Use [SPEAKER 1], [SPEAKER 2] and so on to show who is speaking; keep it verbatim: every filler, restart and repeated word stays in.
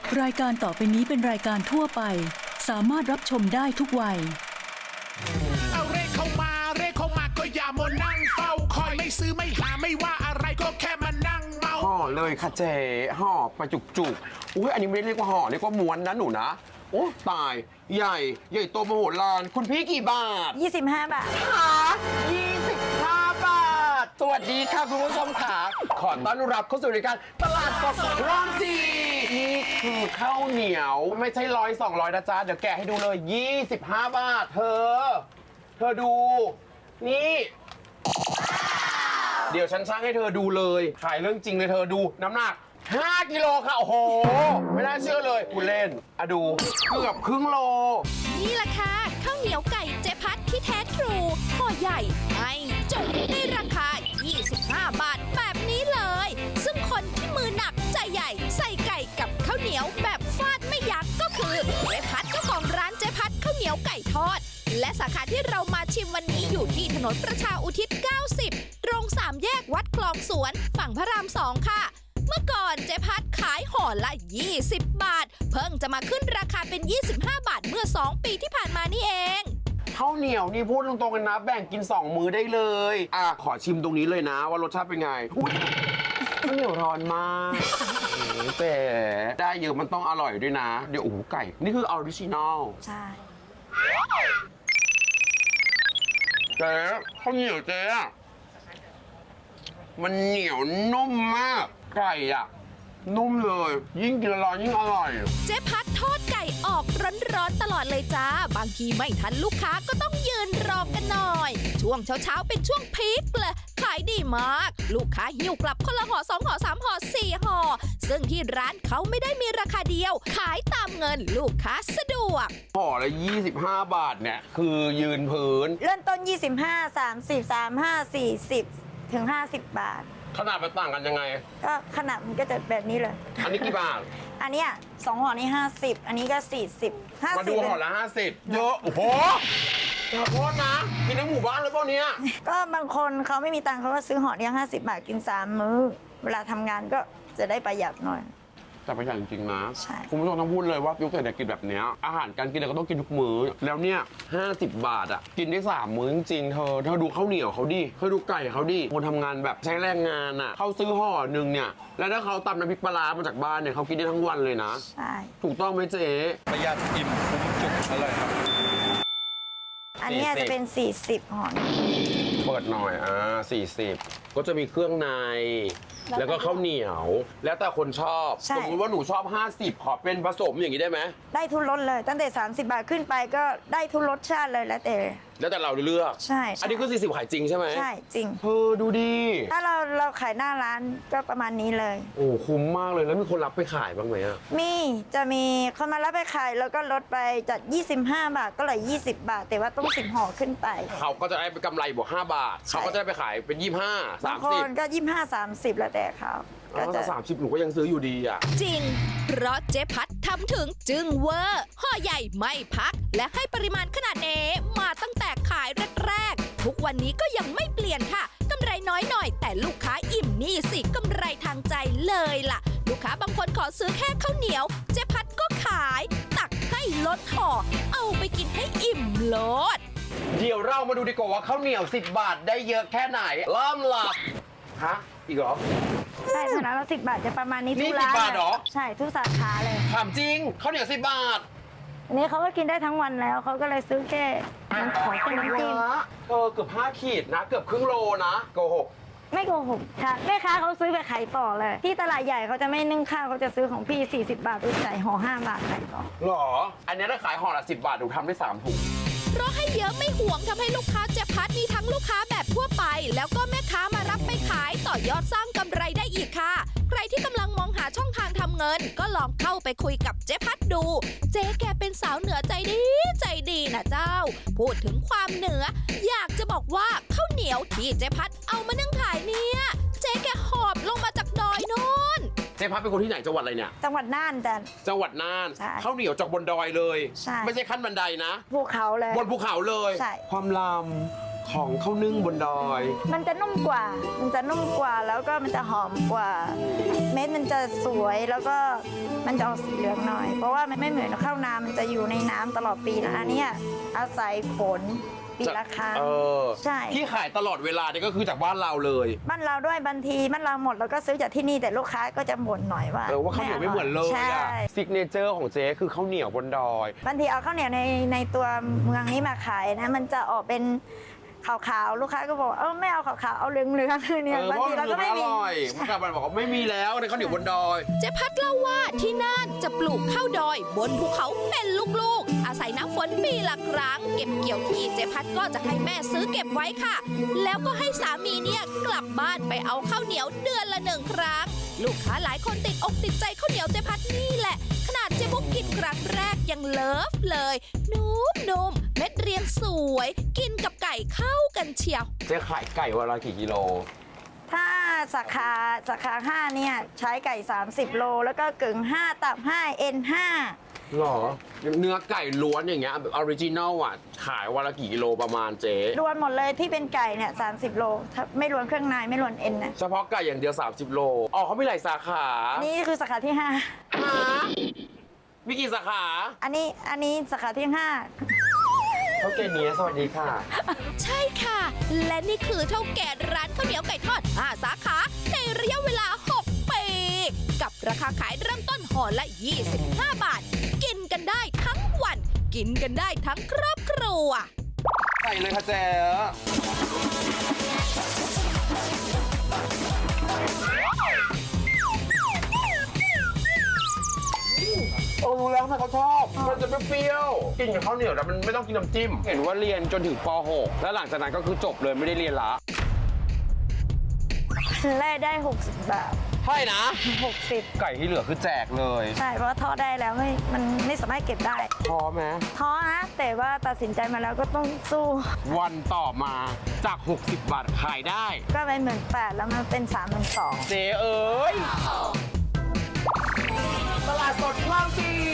[SPEAKER 1] รายการต่อไปนี้เป็นรายการทั่วไปสามารถรับชมได้ทุกวัย
[SPEAKER 2] เอาเร่เข้ามาเร่เข้ามาก็อย่ามัวนั่งเฝ้าคอยไม่ซื้อไม่หาไม่ว่าอะไรก็แค่มานั่งเมา
[SPEAKER 3] ห่อเลยค่ะเจ๊ห่อไปจุกจุกอุ้ยอันนี้ไม่ได้เรียกว่าห่อเรียกว่าม้วนนะหนูนะโอ้ตายใหญ่ใหญ่โตมโหฬารคุณพี่กี่บาท
[SPEAKER 4] ยี่สิบห้าบาท
[SPEAKER 3] ค่ะยี่สิบห้าบาทสวัสดีค่ะคุณผู้ชมค่ะขอต้อนรับเข้าสู่รายการตลาดสดคลองสี่นี่คือข้าวเหนียวไม่ใช่ร้อยสองร้อยนะจ๊ะเดี๋ยวแกะให้ดูเลยยี่สิบห้าบาทเธอเธอดูนี่เดี๋ยวฉันช่างให้เธอดูเลยขายเรื่องจริงเลยเธอดูน้ำหนักห้ากิโลค่ะโอ้โหไม่น่าเชื่อเลยคุณเล่นอะดูเกือบครึ่งโล
[SPEAKER 5] นี่แหละค่ะข้าวเหนียวไก่เจ๊พัดที่แท้ทรูห่อใหญ่ไม่จุกในราคายี่สิบห้าบาทแบบนี้เลยซึ่งคนที่มือหนักใจใหญ่ใส่ไก่กับข้าวเหนียวแบบฟาดไม่ยั้งก็คือเจ๊พัดเจ้าของร้านเจ๊พัดข้าวเหนียวไก่ทอดและสาขาที่เรามาชิมวันนี้อยู่ที่ถนนประชาอุทิศเก้าสิบตรงสามแยกวัดคลองสวนฝั่งพระรามสองค่ะเมื่อก่อนเจ๊พัดขายห่อละยี่สิบบาทเพิ่งจะมาขึ้นราคาเป็นยี่สิบห้าบาทเมื่อสองปีที่ผ่านมานี่เอง
[SPEAKER 3] ข้าวเหนียวนี่พูดตรงๆกันนะแบ่งกินสองมื้อได้เลยอ่ะขอชิมตรงนี้เลยนะว่ารสชาติเป็นไงข้าวเหนียวร้อนมากแต่ได้เยอะมันต้องอร่อยด้วยนะเดี๋ยวโอ้โหไก่นี่คือออริจินอล
[SPEAKER 4] ใช่
[SPEAKER 3] เจ๊ข้าวเหนียวเจ๊มันเหนียวนุ่มมากไก่อ่ะนุ่มเลยยิ่งกินร้อนยิ่งอร่อย
[SPEAKER 5] เจ๊พัดทอดไก่ออกร้อนๆตลอดเลยจ้าบางทีไม่ทันลูกค้าก็ต้องยืนรอกันหน่อยช่วงเช้าๆเป็นช่วงพีคเลยขายดีมากลูกค้าหิ้วกลับคนละห่อสองห่อสามห่อสี่ห่อซึ่งที่ร้านเขาไม่ได้มีราคาเดียวขายตามเงินลูกค้าสะดวก
[SPEAKER 3] ห่อละยี่สิบห้าบาทเนี่ยคือยืนพื้น
[SPEAKER 4] เริ่มต้นยี่สิบห้า สามสิบ สามสิบห้า สี่สิบถึงห้าสิบบาท
[SPEAKER 3] ขนาดมันต่างกันยังไง
[SPEAKER 4] ก็ขนาดมันก็จะแบบนี้เลย
[SPEAKER 3] อันนี้กี่บาท
[SPEAKER 4] อันนี้สองห่อนี่ห้าสิบอันนี้ก็สี่สิบห้าสิบ
[SPEAKER 3] มาดูห่อละห้าสิบเยอะโอ้โหขอโทษนะกินทั้งหมู่บ้านเลยเปล่าเนี่ย
[SPEAKER 4] ก็บางคนเขาไม่มีตังค์เขาก็ซื้อห่อเดียวห้าสิบบาทกินสามมื้อเวลาทำงานก็จะได้ประหยัดหน่อย
[SPEAKER 3] แต่ประหยัดจริงๆนะ
[SPEAKER 4] ใช่
[SPEAKER 3] คุณผู้ชมต้องพูดเลยว่ายุคเศรษฐกิจแบบนี้อาหารการกินเราก็ต้องกินทุกมื้อแล้วเนี่ยห้าสิบบาทอ่ะกินได้สามมื้อจริงๆเธอเธอดูข้าวเหนียวเขาดิเธอดูไก่เขาดิคนทำงานแบบใช้แรงงานอ่ะเขาซื้อห่อหนึ่งเนี่ยแล้วถ้าเขาตำน้ำพริกปลามาจากบ้านเนี่ยเขากินได้ทั้งวันเลยนะ
[SPEAKER 4] ใช่
[SPEAKER 3] ถูกต้องไหมเจ๊
[SPEAKER 6] ประหยัดอิ่มคุ้มจุกอร่อยครับ
[SPEAKER 4] อันนี้จะเป็นสี่สิบห่อ
[SPEAKER 3] เปิดหน่อยอ่าสี่สิบก็จะมีเครื่องในแล้วก็ข้าวเหนียวแล้วแต่คนชอบสมมติว่าหนูชอบห้าสิบขอเป็นผสมอย่างนี้ได้ไหม
[SPEAKER 4] ได้ทุกรสเลยตั้งแต่สามสิบบาทขึ้นไปก็ได้ทุกรสชาติเลยแล้วแต่
[SPEAKER 3] แล้วแต่เราเลือก
[SPEAKER 4] ใช่
[SPEAKER 3] อันนี้คือสี่สิบขายจริงใช่ไหม
[SPEAKER 4] ใช่จริง
[SPEAKER 3] เธอดูดี
[SPEAKER 4] ถ้าเราเราขายหน้าร้านก็ประมาณนี้เลย
[SPEAKER 3] โอ้คุ้มมากเลยแล้วมีคนรับไปขายบ้างไหมอ่ะ
[SPEAKER 4] มีจะมีคนมารับไปขายแล้วก็ลดไปจากยี่สิบห้าบาทก็เหลือยี่สิบบาทแต่ว่าต้องสิบห่อขึ้นไป
[SPEAKER 3] เขาก็จะได้ไปกำไรบวกห้าบาทเขาก็จะได้ไปขายเป็นยี่สิบห้าสามสิบ
[SPEAKER 4] คนก็ยี่สิบห้าสามสิบแล้วแต่เขา
[SPEAKER 3] ก็จะสามสิบหนูก็ยังซื้ออยู่ดีอ่ะ
[SPEAKER 5] จริงเพราะเจ๊พัดทำถึงจึงเวอร์ห่อใหญ่ไม่พักและให้ปริมาณขนาดเนมาตั้งแต่ขายแรกๆทุกวันนี้ก็ยังไม่เปลี่ยนค่ะกำไรน้อยหน่อยแต่ลูกค้าอิ่มนี่สิกำไรทางใจเลยล่ะลูกค้าบางคนขอซื้อแค่ข้าวเหนียวเจ๊พัดก็ขายตักให้ลดห่อเอาไปกินให้อิ่มโลด
[SPEAKER 3] เดี๋ยวเรามาดูดีกว่าว่าข้าวเหนียวสิบบาทได้เยอะแค่ไหนเริ่มหลับฮะอีกเหรอ
[SPEAKER 4] ใช่ขนาดเราสิบบาทจะประมาณนี้ทุกร้าน
[SPEAKER 3] นี่สิบบาทเหรอ
[SPEAKER 4] ใช่ทุกสาขาเลย
[SPEAKER 3] ถามจริงข้าวเหนียวสิบบาท
[SPEAKER 4] อันนี้เขาก็กินได้ทั้งวันแล้วเขาก็เลยซื้อแค่น้ำขอเป็นน้ำจิ้ม
[SPEAKER 3] เออเกือบห้าขีดนะเกือบครึ่งโลนะโกหก
[SPEAKER 4] ไม่โกหกค่ะแม่ค้าเขาซื้อไปขายต่อเลยที่ตลาดใหญ่เขาจะไม่นึ่งข้าวเขาจะซื้อของพี่สี่สิบบาทไปใส่ห่อห้าบาทขายต่อ
[SPEAKER 3] หรออันนี้ถ้าขายห่อละสิบบาทหนูทำได้สามถุง
[SPEAKER 5] เพราะให้เยอะไม่ห่วงทำให้ลูกค้าเจ๊พัดมีทั้งลูกค้าแบบทั่วไปแล้วก็แม่ค้ามารับไปขายต่อยอดสร้างกำไรได้อีกค่ะใครที่กำลังมองหาช่องทางทำเงินก็ลองเข้าไปคุยกับเจ๊พัดดูเจ๊แกเป็นสาวเหนือใจดีใจดีนะเจ้าพูดถึงความเหนืออยากจะบอกว่าข้าวเหนียวที่เจ๊พัดเอามานึ่งขายเนี่ยเจ๊แกหอบลงมาจากดอยโน่น
[SPEAKER 3] เจ๊พัดเป็นคนที่ไหนจังหวัดอะไรเนี่ย
[SPEAKER 4] จังหวัดน่านจ้ะ
[SPEAKER 3] จังหวัดน่านข้าวเหนียวจากบนดอยเลย
[SPEAKER 4] ใช่
[SPEAKER 3] ไม่ใช่ขั้นบันไดนะ
[SPEAKER 4] ภูเขาเลย
[SPEAKER 3] บนภูเขาเลย
[SPEAKER 4] ใช่
[SPEAKER 3] ความลำของข้าวนึ่งบนดอย
[SPEAKER 4] มันจะนุ่มกว่า มันจะนุ่มกว่าแล้วก็มันจะหอมกว่า เม็ดมันจะสวยแล้วก็มันจะออกสีเหลืองหน่อย เพราะว่ามันไม่เหมือนข้าวนามันจะอยู่ในน้ำตลอดปีนะอันเนี้ยอาศัยฝนปีละครั้ง
[SPEAKER 3] เออ
[SPEAKER 4] ใช่
[SPEAKER 3] ที่ขายตลอดเวลานี่ก็คือจากบ้านเราเลย
[SPEAKER 4] บ้านเราด้วยบางทีบ้านเราหมดแล้วก็ซื้อจากที่นี่แต่ลูกค้าก็จะบ่นหน่อยว่า
[SPEAKER 3] เออว่าข้าวเหนียวไม่เหมือนเลย
[SPEAKER 4] ใช่
[SPEAKER 3] อะซิกเนเจอร์ของเจ๊คือข้าวเหนียวบนดอย
[SPEAKER 4] บางทีเอาข้าวเหนียวในในตัวเมืองนี้มาขายนะมันจะออกเป็นขาวๆลูกค้าก็บอกเออไม่เอาขาวๆเอาเหลืองๆเนี่ย
[SPEAKER 3] เออบ
[SPEAKER 4] าง
[SPEAKER 3] เพราะ
[SPEAKER 4] ที
[SPEAKER 3] มั
[SPEAKER 4] เรา
[SPEAKER 3] น
[SPEAKER 4] ก็ไม่
[SPEAKER 3] อ
[SPEAKER 4] มี
[SPEAKER 3] ร่อยเมื่อกลับมันบอกว่าไม่มีแล้วในข้าวเหนียวบนดอย
[SPEAKER 5] เจ๊พัดเล่าว่าที่น่านจะปลูกข้าวดอยบนภูเขาเป็นลูกๆ อาศัยน้ำฝนปีละครั้ง เก็บเกี่ยวทีเจ๊พัดก็จะให้แม่ซื้อเก็บไว้ค่ะ แล้วก็ให้สามีเนี่ยกลับบ้านไปเอาข้าวเหนียวเดือนละหนึ่งครั้ง ลูกค้าหลายคนติดอกติดใจข้าวเหนียวเจ๊พัดนี่แหละ ขนาดเจ๊บุ๊กกินครั้งแรกยังเลิฟเลย นุ่มนุ่มๆเม็ดเรียงสวย กินกับไก่เข้ากันเชียว
[SPEAKER 3] เจ๊ขายไก่วันละกี่กิโล
[SPEAKER 4] ถ้าสาขาสาขาห้าเนี่ยใช้ไก่ สามสิบ โล แล้วก็กึ่งห้าตับห้าเอ็นห้า
[SPEAKER 3] หรอ เนื้อไก่ล้วนอย่างเงี้ยแบบออริจินัลอ่ะ ขายวันละกี่กิโลประมาณเจ๊
[SPEAKER 4] รวมหมดเลยที่เป็นไก่เนี่ยสามสิบ โลถ้าไม่รวมเครื่องในไม่รวมเอ็นนะ
[SPEAKER 3] เฉพาะไก่อย่างเดียว สามสิบ โล อ๋อเขามีหลายสาขา
[SPEAKER 4] นี่คือสาขาที่ห้า
[SPEAKER 3] ฮะมีกี่สาขา
[SPEAKER 4] อันนี้อันนี้สาขาที่ห้า
[SPEAKER 3] เท่าแก่นี้สวัสดีค่ะ
[SPEAKER 5] ใช่ค่ะ และนี่คือเท่าแก่ร้านข้าวเหนียวไก่ทอดห้าสาขาในระยะเวลา หก ปี กับราคาขายเริ่มต้นห่อละ ยี่สิบห้า บาท กินกันได้ทั้งวัน กินกันได้ทั้งครอบครัว
[SPEAKER 3] ใส่เลยค่ะเจ๊โอ้รู้แล้วทำไมเขาชอบ มันจะเปรี้ยวๆกินกับข้าวเหนียวแต่มันไม่ต้องกินน้ำจิ้ม เห็นว่าเรียนจนถึงป หก แล้วหลังจากนั้นก็คือจบเลยไม่ได้เรียนละ
[SPEAKER 4] แรกได้ หกสิบ บาท
[SPEAKER 3] ใช่นะ
[SPEAKER 4] หกสิบ
[SPEAKER 3] ไก่ที่เหลือคือแจกเลย
[SPEAKER 4] ใช่ เพราะว่าทอดได้แล้วไม่มันไม่สามารถเก็บได้
[SPEAKER 3] พอไหม
[SPEAKER 4] ท้อนะ แต่ว่าตัดสินใจมาแล้วก็ต้องสู้
[SPEAKER 3] วันต่อมาจาก หกสิบ บาทขายได้
[SPEAKER 4] ก็ไปหมื่นแปดแล้วมันเป็นสามหมื่นสอง
[SPEAKER 3] เจ๊เอ้ย ตลาดสดคลองสี่